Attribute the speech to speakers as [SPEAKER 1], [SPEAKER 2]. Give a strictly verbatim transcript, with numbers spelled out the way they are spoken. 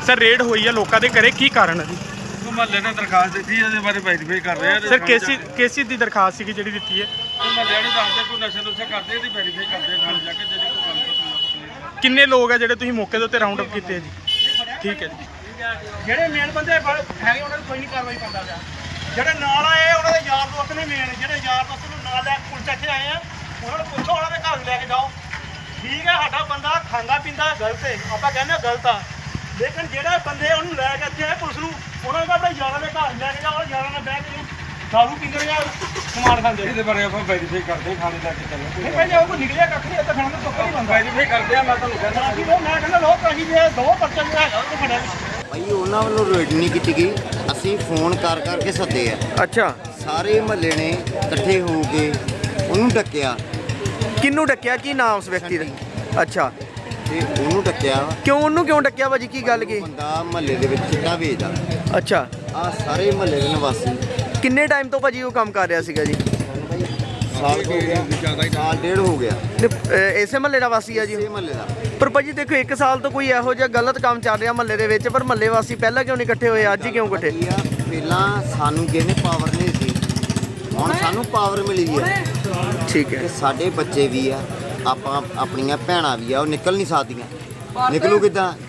[SPEAKER 1] Sir raid ਹੋਈ ਹੈ ਲੋਕਾਂ ਦੇ ਘਰੇ, ਕੀ ਕਾਰਨ ਹੈ ਜੀ?
[SPEAKER 2] ਮਹੱਲੇ ਨੇ ਦਰਖਾਸਤ ਦਿੱਤੀ ਉਹਦੇ ਬਾਰੇ ਵੈਰੀਫਾਈ ਕਰ ਰਹੇ ਆ
[SPEAKER 1] ਸਰ ਕੇਸੀ ਕੇਸੀ ਦੀ ਦਰਖਾਸਤ ਸੀਗੀ ਜਿਹੜੀ ਦਿੱਤੀ ਹੈ?
[SPEAKER 2] ਮਹੱਲੇ ਨੇ ਦੱਸਦੇ ਕੋਈ ਨਸ਼ੇ ਨੁਸ਼ੇ ਕਰਦੇ ਇਹਦੀ ਵੈਰੀਫਾਈ ਕਰਦੇ ਆ ਥਾਣੇ ਜਾ ਕੇ ਜਿਹੜੀ ਕੋਈ ਗੱਲ ਕਰਨੀ।
[SPEAKER 1] ਕਿੰਨੇ ਲੋਕ ਹੈ ਜਿਹੜੇ ਤੁਸੀਂ ਮੌਕੇ ਦੇ ਉੱਤੇ ਰਾਉਂਡ ਅਪ ਕੀਤੇ ਆ ਜੀ? ਠੀਕ ਹੈ ਜੀ।
[SPEAKER 3] ਜਿਹੜੇ ਮੇਨ ਬੰਦੇ ਹੈਗੇ ਉਹਨਾਂ ਨੂੰ ਕੋਈ ਨਹੀਂ ਕਾਰਵਾਈ ਕਰਦਾ ਪਿਆ। ਜਿਹੜੇ ਨਾਲ ਆਏ ਉਹਨਾਂ ਦੇ ਯਾਰ ਦੋਸਤ ਨੇ ਮੇਨ, ਜਿਹੜੇ ਯਾਰ ਦੋਸਤ ਨੂੰ ਨਾਲ ਲੈ ਕੇ ਪੁਲਿਸ ਇੱਥੇ ਆਏ ਆ, ਉਹਨਾਂ ਨੂੰ ਪੁੱਛੋ ਉਹਨਾਂ ਦੇ ਘਰ ਲੈ ਕੇ ਜਾਓ। ਠੀਕ ਹੈ ਸਾਡਾ ਬੰਦਾ ਖਾਂਦਾ ਪੀਂਦਾ ਗਲਤ ਹੈ, ਆਪਾਂ ਕਹਿੰਦੇ ਹਾਂ ਗਲਤ ਆ, ਲੇਕਿਨ ਜਿਹੜੇ ਬੰਦੇ ਉਹਨੂੰ ਲੈ ਕੇ ਇੱਥੇ ਆਏ ਪੁਲਿਸ ਨੂੰ, ਉਹਨਾਂ ਨੂੰ ਆਪਣੇ ਯਾਰਾਂ ਦੇ ਘਰ ਲੈ ਕੇ ਜਾਓ, ਯਾਰਾਂ ਨਾਲ ਬਹਿ ਕੇ ਦਾਰੂ ਪੀਂਦੇ ਜਾਂ ਸਮਾਨ ਖਾਂਦੇ।
[SPEAKER 2] ਇਹਦੇ ਬਾਰੇ ਆਪਾਂ ਵੈਰੀਫਾਈ ਕਰਦੇ ਹਾਂ ਥਾਣੇ ਜਾ ਕੇ ਚੱਲੋ।
[SPEAKER 3] ਨਹੀਂ ਭਾਈ ਜੇ ਉਹ ਕੋਈ ਨਿਕਲਿਆ ਕੱਖ ਨਹੀਂ ਇੱਥੇ ਖਾਣ ਦਾ ਸੁੱਕਾ ਨਹੀਂ ਬੰਦਾ।
[SPEAKER 2] ਵੈਰੀਫਾਈ ਕਰਦੇ ਆ, ਮੈਂ ਤੁਹਾਨੂੰ ਕਹਿੰਦਾ
[SPEAKER 3] ਅਸੀਂ ਉਹ ਮੈਂ ਕਹਿੰਦਾ ਲੋਕ ਅਸੀਂ ਜੇ ਦੋ ਪਰਚੇ ਜਿਹੜਾ ਹੈਗਾ ਉਹ ਫੜਿਆ
[SPEAKER 4] ਭਾਈ ਉਹਨਾਂ ਵੱਲੋਂ ਰੇਡ ਨਹੀਂ ਕੀਤੀ ਗਈ, ਅਸੀਂ ਫੋਨ ਕਰ ਕਰਕੇ ਸੱਦੇ ਆ।
[SPEAKER 5] ਅੱਛਾ,
[SPEAKER 4] ਸਾਰੇ ਮਹੱਲੇ ਨੇ ਇਕੱਠੇ ਹੋ ਕੇ ਉਹਨੂੰ ਡੱਕਿਆ
[SPEAKER 5] ਕਿਹਨੂੰ ਡੱਕਿਆ? ਕੀ ਨਾਮ ਉਸ ਵਿਅਕਤੀ ਦਾ? ਅੱਛਾ,
[SPEAKER 4] ਤੇ ਉਹਨੂੰ ਡੱਕਿਆ।
[SPEAKER 5] ਕਿਉਂ ਉਹਨੂੰ ਕਿਉਂ ਡੱਕਿਆ ਭਾਜੀ, ਕੀ ਗੱਲ ਕੀ?
[SPEAKER 4] ਬੰਦਾ ਮਹੱਲੇ ਦੇ ਵਿੱਚ ਚਿੱਟਾ ਵੇਚਦਾ।
[SPEAKER 5] ਅੱਛਾ,
[SPEAKER 4] ਆ ਸਾਰੇ ਮਹੱਲੇ ਦੇ ਨਿਵਾਸੀ
[SPEAKER 5] ਕਿੰਨੇ ਟਾਈਮ ਤੋਂ ਭਾਜੀ ਉਹ ਕੰਮ ਕਰ ਰਿਹਾ ਸੀਗਾ ਜੀ?
[SPEAKER 4] ਸਾਲ ਹੋ ਗਿਆ, ਸਾਲ ਡੇਢ ਹੋ ਗਿਆ
[SPEAKER 5] ਨੇ- ਅਹ ਇਸੇ ਮਹੱਲੇ ਦਾ ਵਾਸੀ ਆ ਜੀ?
[SPEAKER 4] ਇਹ ਮਹੱਲੇ ਦਾ।
[SPEAKER 5] ਪਰ ਭਾਜੀ ਦੇਖੋ ਇੱਕ ਸਾਲ ਤੋਂ ਕੋਈ ਇਹੋ ਜਿਹਾ ਗਲਤ ਕੰਮ ਚੱਲ ਰਿਹਾ ਮਹੱਲੇ ਦੇ ਵਿੱਚ, ਪਰ ਮਹੱਲੇ ਵਾਸੀ ਪਹਿਲਾਂ ਕਿਉਂ ਨਹੀਂ ਇਕੱਠੇ ਹੋਏ, ਅੱਜ ਹੀ ਕਿਉਂ ਇਕੱਠੇ?
[SPEAKER 4] ਕੀ ਆ, ਪਹਿਲਾਂ ਸਾਨੂੰ ਜਿਹਨੇ ਪਾਵਰ ਨਹੀਂ ਸੀ, ਹੁਣ ਸਾਨੂੰ ਪਾਵਰ ਮਿਲੀ ਹੈ।
[SPEAKER 5] ਠੀਕ
[SPEAKER 4] ਤੇ
[SPEAKER 5] ਹੈ।
[SPEAKER 4] ਸਾਡੇ ਬੱਚੇ ਵੀ ਆ, ਆਪਾਂ ਆਪਣੀਆਂ ਭੈਣਾਂ ਵੀ ਆ, ਉਹ ਨਿਕਲ ਨਹੀਂ ਸਕਦੀਆਂ। ਨਿਕਲੂ ਕਿੱਦਾਂ?